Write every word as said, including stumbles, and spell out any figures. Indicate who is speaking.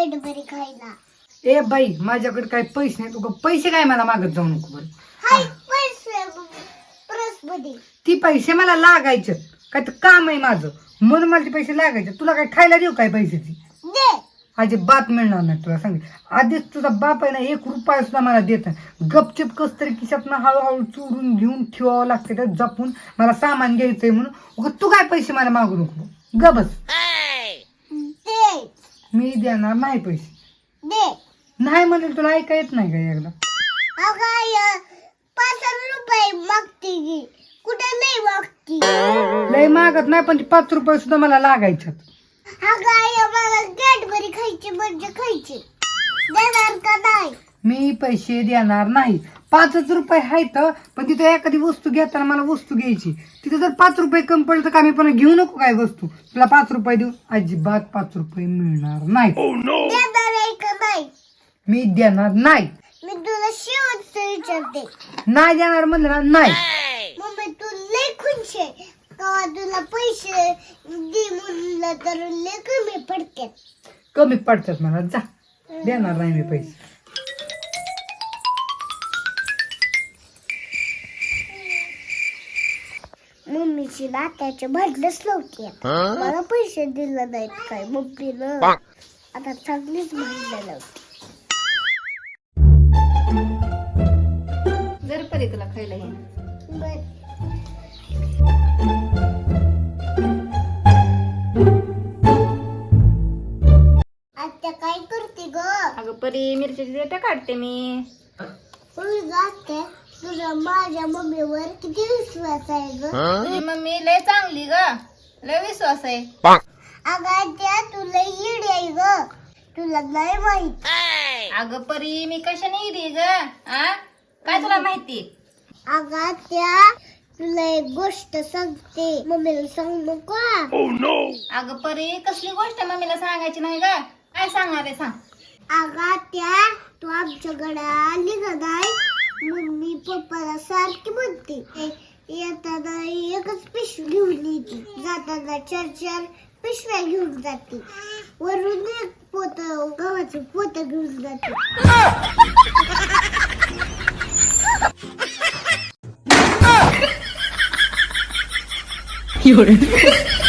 Speaker 1: Cadbury खायला.
Speaker 2: ए बाई माझ्याकडे काय पैसे नाही, तुका पैसे काय मला मागत जाऊ नको बरं.
Speaker 1: हाय पैसे पर्स मध्ये.
Speaker 2: ती पैसे मला लागायचे, काय तर काम आहे माझं म्हणून मला ते पैसे लागायचे. तुला काय खायला देऊ काय पैशाची?
Speaker 1: दे.
Speaker 2: अजिबात मिळणार नाही तुला सांग. आधीच तुझा बाप आहे ना एक रुपया सुद्धा मला देत नाही. गपचिप कस तरी खिशात ना हळूहळू चोरून घेऊन ठेवावं लागते त्यात जपून. मला सामान घ्यायचंय म्हणून. उगा तू काय पैसे मला मागू नको गबस.
Speaker 1: दे.
Speaker 2: मी देणार नाही पैसे.
Speaker 1: दे.
Speaker 2: नाही म्हणेल तुला ऐका येत नाही का एकदा?
Speaker 1: अगं पाच रुपये मागते की कुठे नाही मागती.
Speaker 2: लय मागत नाही पण ते पाच रुपये सुद्धा मला लागायच्यात.
Speaker 1: अगं मला कॅडबरी खायची म्हणजे खायची. देणार का नाही?
Speaker 2: मी पैसे देणार नाही. पाचच रुपये आहेत पण तिथे एखादी वस्तू घेताना मला वस्तू घ्यायची. तिथे जर पाच रुपये कमी पडलं तर का मी पण घेऊ नको काय वस्तू? तुला पाच रुपये देऊ? अजिबात पाच रुपये मिळणार नाही.
Speaker 1: देणार आहे का नाही?
Speaker 2: मी देणार नाही.
Speaker 1: मी तुला शेवटचं विचारते.
Speaker 2: नाही देणार म्हणलं ना नाही.
Speaker 1: मम्मी तू लय खुश आहे का तुला पैसे दे म्हणलं तर लय कमी पडतात.
Speaker 2: कमी पडतात मला. जा देणार नाही मी पैसे.
Speaker 1: मम्मीची नात्याचे भांडणच नव्हती. मला पैसे दिले नाहीत काय मम्मीनं. आता चांगलीच भांडणं नव्हती.
Speaker 3: जर परी तुला खायला हे
Speaker 1: बर. आता काय करते ग?
Speaker 3: अगं परी मिरच्याची देठा काढते मी.
Speaker 1: होय ग आत्या, तुझा माझ्या मम्मीवर किती विश्वास आहे ग?
Speaker 3: तुझी मम्मी लय चांगली ग, लय विश्वास आहे.
Speaker 1: अगं आत्या तू लय येडी आहे ग, तुला नाही माहित.
Speaker 3: अगं परी मी कशाने येते ग? आ काय तुला माहिती?
Speaker 1: अगं आत्या तुला एक गोष्ट सांगते, मम्मीला सांग नको.
Speaker 3: अगं परी कसली गोष्ट मम्मीला सांगायची नाही ग? काय सांगणार आहे सांग.
Speaker 1: अगं आत्या तू आमच्याकडे आली का नाही, मम्मी पप्पाला सारखी म्हणते येताना एकच पिशवी घेऊन येते, जाताना चार चार पिशव्या घेऊन जाते, वरून एक पोत गव्हाचं पोत घेऊन जाते.
Speaker 2: एवढं